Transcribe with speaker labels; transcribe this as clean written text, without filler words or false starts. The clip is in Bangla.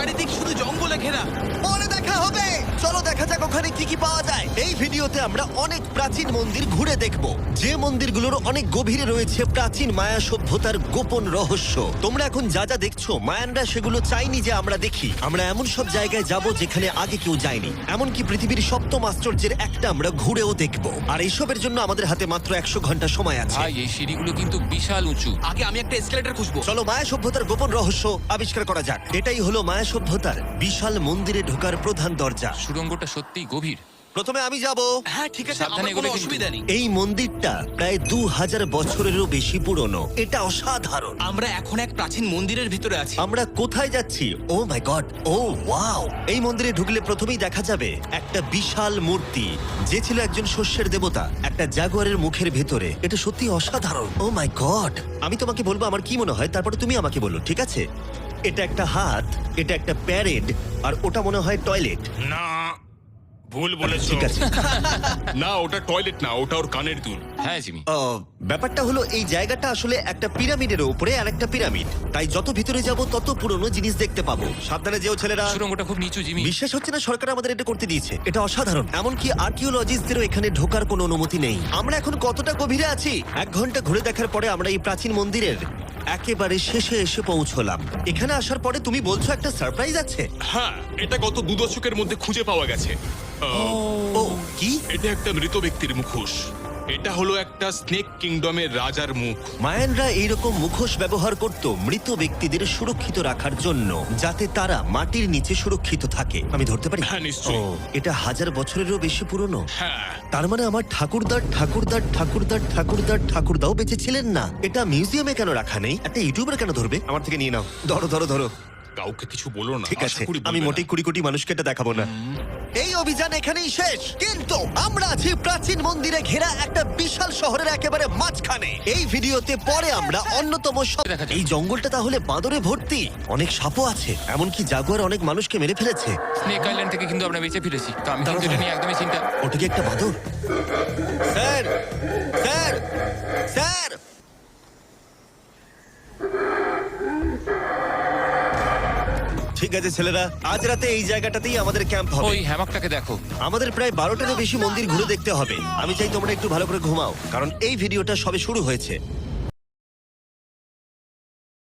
Speaker 1: চারিদিক শুধু জঙ্গলে ঘেরা।
Speaker 2: পরে দেখা হবে। চলো দেখা যাক ওখানে কি কি পাওয়া যায়। এই ভিডিওতে আমরা অনেক প্রাচীন মন্দির ঘুরে দেখব, যে মন্দিরগুলোর অনেক গভীরে রয়েছে প্রাচীন মায়া সভ্যতার গোপন রহস্য। তোমরা এখন যা যা দেখছো, মায়ানরা সেগুলো চাইনি যে আমরা দেখি। আমরা এমন সব জায়গায় যাব যেখানে আগে কেউ যায়নি, এমনকি পৃথিবীর সপ্তম আশ্চর্যের একটা আমরা ঘুরেও দেখব। আর এইসবের জন্য আমাদের হাতে মাত্র 100 ঘন্টা সময় আছে।
Speaker 3: ভাই এই সিঁড়িগুলো কিন্তু বিশাল উঁচু।
Speaker 1: আগে আমি একটা এসকেলেটর খুঁজবো।
Speaker 2: চলো মায়া সভ্যতার গোপন রহস্য আবিষ্কার করা যাক। এটাই হলো মায়া সভ্যতার বিশাল মন্দিরে ঢোকার প্রধান দরজা।
Speaker 3: সুড়ঙ্গটা সত্যিই গভীর।
Speaker 2: প্রথমে আমি যাব।
Speaker 1: হ্যাঁ ঠিক আছে,
Speaker 3: সাবধানে
Speaker 1: আমার কোনো
Speaker 3: এগোবে কিন্তু।
Speaker 1: অসুবিধা নেই।
Speaker 2: এই মন্দিরটা প্রায় 2000 বছরেরও বেশি পুরনো। এটা অসাধারণ।
Speaker 1: আমরা এখন এক প্রাচীন মন্দিরের ভিতরে আছি।
Speaker 2: আমরা কোথায় যাচ্ছি? Oh my god, oh wow! এই মন্দিরে ঢুকলে প্রথমেই দেখা যাবে একটা বিশাল মূর্তি, যে ছিল একজন শস্যের দেবতা, একটা জাগুয়ারের মুখের ভেতরে। এটা সত্যি অসাধারণ। Oh my god! আমি তোমাকে বলবো আমার কি মনে হয়, তারপরে তুমি আমাকে বলো, ঠিক আছে? এটা একটা হাত, এটা একটা প্যারেড, আর ওটা মনে হয় টয়লেট।
Speaker 4: না, ভুল বলেছো।
Speaker 2: ঠিক আছে।
Speaker 4: না, ওটা টয়লেট না, ওটা ওর কানের দুল।
Speaker 3: হ্যাঁ জিমি।
Speaker 2: ব্যাপারটা হলো এই জায়গাটা আসলে একটা পিরামিডের উপরে আর একটা পিরামিড, তাই যত ভিতরে যাব তত পুরনো জিনিস দেখতে পাবো। সাবধানে যেও ছেলেরা।
Speaker 3: সুড়ঙ্গটা খুব নিচু জিমি।
Speaker 2: বিশ্বাস হচ্ছে না সরকার আমাদের এটা করতে দিয়েছে। এটা অসাধারণ। এমনকি আর্কিওলজিস্টদেরও এখানে ঢোকার কোনো অনুমতি নেই। আমরা এখন কতটা গভীরে আছি? 1 ঘন্টা ঘুরে দেখার পরে আমরা এই প্রাচীন মন্দিরের একেবারে শেষে এসে পৌঁছলাম। এখানে আসার পরে তুমি বলছো একটা সারপ্রাইজ আছে।
Speaker 4: হ্যাঁ, এটা গত 2 দশকের মধ্যে খুঁজে পাওয়া গেছে।
Speaker 2: ও কি?
Speaker 4: এটা একটা মৃত ব্যক্তির মুখোশ। এটা হলো একটা স্নেক কিংডমের রাজার মুখ।
Speaker 2: মায়ানরা এইরকম মুখোশ ব্যবহার করত মৃত ব্যক্তিদের সুরক্ষিত রাখার জন্য, যাতে তারা মাটির নিচে সুরক্ষিত থাকে। আমি ধরতে পারি?
Speaker 4: হ্যাঁ, নিশ্চয়ই।
Speaker 2: ও, এটা 1000 বছরেরও বেশি পুরনো।
Speaker 4: হ্যাঁ,
Speaker 2: তার মানে আমার ঠাকুরদার ঠাকুরদার ঠাকুরদার ঠাকুরদার ঠাকুরদাও বেঁচে ছিলেন না। এটা মিউজিয়ামে কেন রাখা নেই? একটা ইউটিউবার কেন ধরবে? আমার থেকে নিয়ে নাও। ধরো ধরো ধরো।
Speaker 4: কাউকে কিছু বলো না।
Speaker 2: ঠিক
Speaker 4: আশা
Speaker 2: আছে,
Speaker 4: করি
Speaker 2: আমি
Speaker 4: বলবে
Speaker 2: মোটেই
Speaker 4: না।
Speaker 2: 20 কোটি মানুষকে এটা দেখাবো না। এই অভিযান এখানেই শেষ, কিন্তু আমরা আছি প্রাচীন মন্দিরে ঘেরা একটা বিশাল শহরের একেবারে মাঝখানে। এই ভিডিওতে পরে আমরা অন্যতম
Speaker 3: দেখা যাক।
Speaker 2: এই জঙ্গলটা তাহলে বাঁদরে ভর্তি। অনেক সাপও আছে, এমনকি জাগুয়ার অনেক মানুষকে মেরে ফেলেছে।
Speaker 3: স্নেক আইল্যান্ড থেকে কিন্তু আমরা বেঁচে ফিরেছি, তো আমি কিন্তু এটা নিয়ে একদমই চিন্তা।
Speaker 2: ওটা কি একটা বাঁদর? Sir, sir, sir! ঠিক আছে ছেলেরা, আজ রাতে এই জায়গাটাতেই আমাদের ক্যাম্প হবে।
Speaker 3: ওই হ্যামাকটাকে দেখো।
Speaker 2: আমাদের প্রায় 12টারও বেশি মন্দির ঘুরে দেখতে হবে। আমি চাই তোমরা একটু ভালো করে ঘুমাও, কারণ এই ভিডিওটা সবে শুরু হয়েছে।